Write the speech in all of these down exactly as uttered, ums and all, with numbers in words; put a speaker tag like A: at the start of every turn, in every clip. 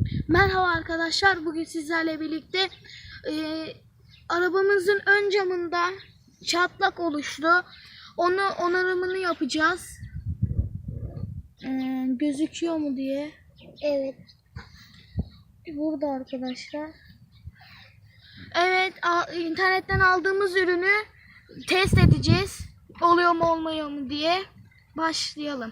A: Merhaba arkadaşlar, bugün sizlerle birlikte e, arabamızın ön camında çatlak oluştu. Onu onarımını yapacağız. E, gözüküyor mu diye. Evet. Burada arkadaşlar. Evet, internetten aldığımız ürünü test edeceğiz. Oluyor mu olmuyor mu diye. Başlayalım.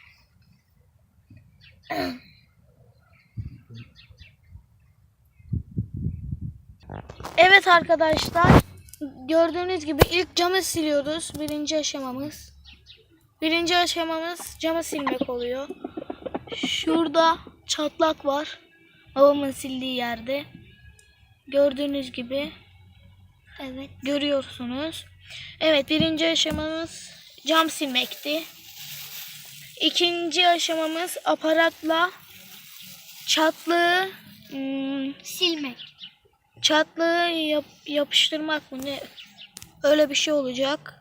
A: Evet arkadaşlar, gördüğünüz gibi ilk camı siliyoruz. Birinci aşamamız. Birinci aşamamız camı silmek oluyor. Şurada çatlak var. Babamın sildiği yerde. Gördüğünüz gibi. Evet, görüyorsunuz. Evet, birinci aşamamız cam silmekti. İkinci aşamamız aparatla çatlığı hmm, silmek. Çatlığı yap, yapıştırmak mı ne? Öyle bir şey olacak.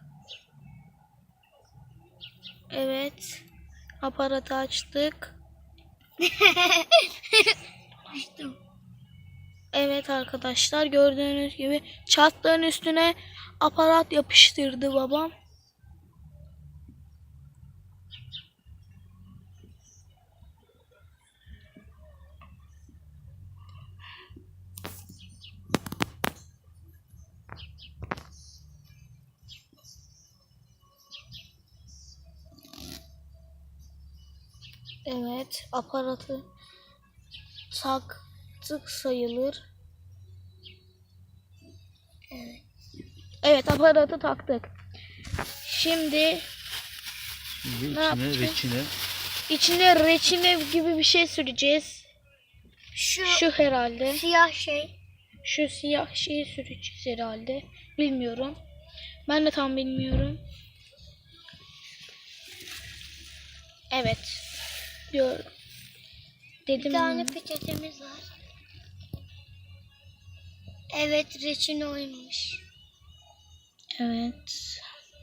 A: Evet. Aparatı açtık. Açtım. Evet arkadaşlar, gördüğünüz gibi çatlığın üstüne aparat yapıştırdı babam. Evet, aparatı taktık sayılır. Evet. Evet, aparatı taktık. Şimdi
B: Şimdi
A: ne
B: içine reçine.
A: İçine reçine gibi bir şey süreceğiz. Şu, Şu herhalde.
C: Siyah şey.
A: Şu siyah şeyi süreceğiz herhalde. Bilmiyorum. Ben de tam bilmiyorum. Evet. Diyor. Dedim.
C: Bir tane peçetemiz var. Evet, reçine oymuş.
A: Evet.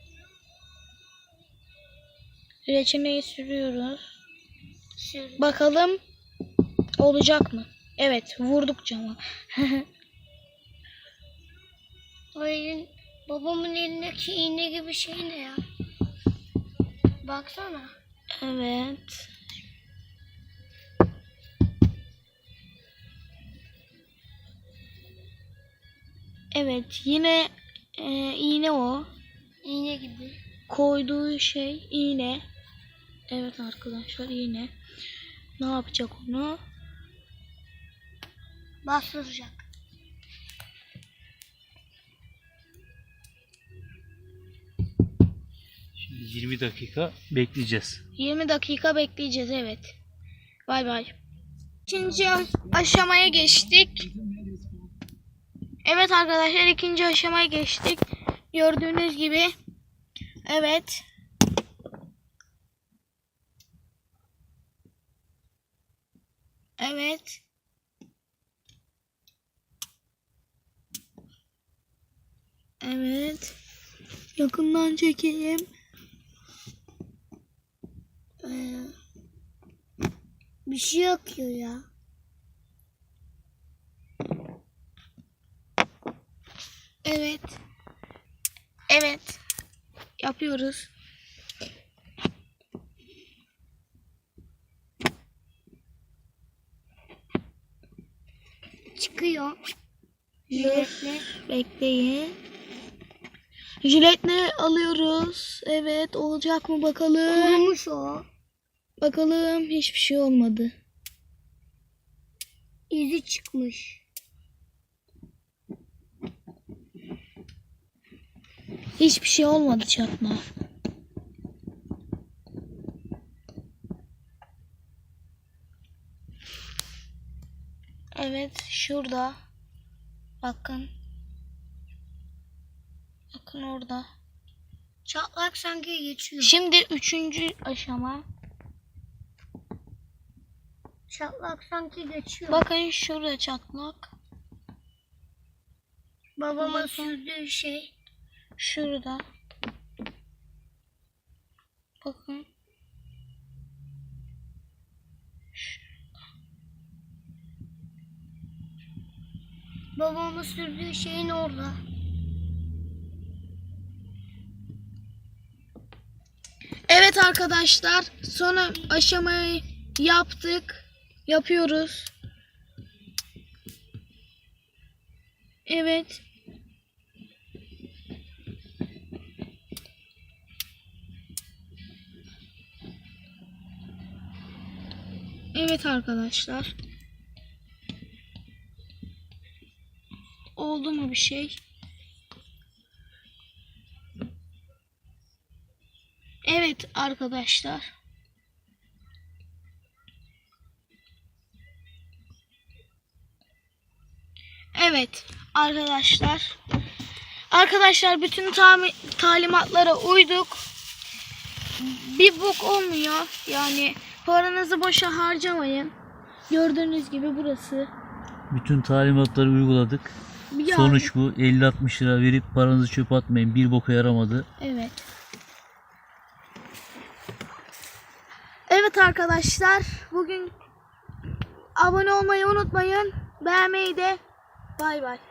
A: Reçineyi sürüyoruz.
C: Sür.
A: Bakalım olacak mı? Evet, vurduk cama.
C: O elin, babamın elindeki iğne gibi şey ne ya? Baksana.
A: Evet. Evet, yine e, iğne o.
C: İğne gibi.
A: Koyduğu şey iğne. Evet arkadaşlar, iğne. Ne yapacak onu?
C: Bastıracak.
B: Şimdi yirmi dakika bekleyeceğiz.
A: yirmi dakika bekleyeceğiz, evet. Bay bay. İkinci aşamaya geçtik. Evet arkadaşlar, ikinci aşamaya geçtik. Gördüğünüz gibi. Evet. Evet. Evet. Yakından çekeyim.
C: Ee, bir şey yakıyor ya.
A: Evet. Evet. Yapıyoruz.
C: Çıkıyor. Jiletle.
A: Bekleyin. Jiletle alıyoruz. Evet, olacak mı bakalım.
C: Kurumuş o.
A: Bakalım, hiçbir şey olmadı.
C: İzi çıkmış.
A: Hiçbir şey olmadı çatma. Evet, şurada. Bakın. Bakın orada.
C: Çatlak sanki geçiyor.
A: Şimdi üçüncü aşama.
C: Çatlak sanki geçiyor.
A: Bakın şurada çatlak.
C: Babama
A: Bakın.
C: sürdüğü şey.
A: Şurada. Bakın. Şurada.
C: Babamın sürdüğü şeyin orada.
A: Evet arkadaşlar, son aşamayı yaptık. Yapıyoruz. Evet. Evet arkadaşlar. Oldu mu bir şey? Evet arkadaşlar. Evet arkadaşlar. Arkadaşlar bütün tami- talimatlara uyduk. Bir bok olmuyor. Yani paranızı boşa harcamayın. Gördüğünüz gibi burası.
B: Bütün talimatları uyguladık.
A: Yani-
B: Sonuç bu. elli altmış lira verip paranızı çöpe atmayın. Bir boka yaramadı.
A: Evet. Evet arkadaşlar. Bugün abone olmayı unutmayın. Beğenmeyi de. Bay bay.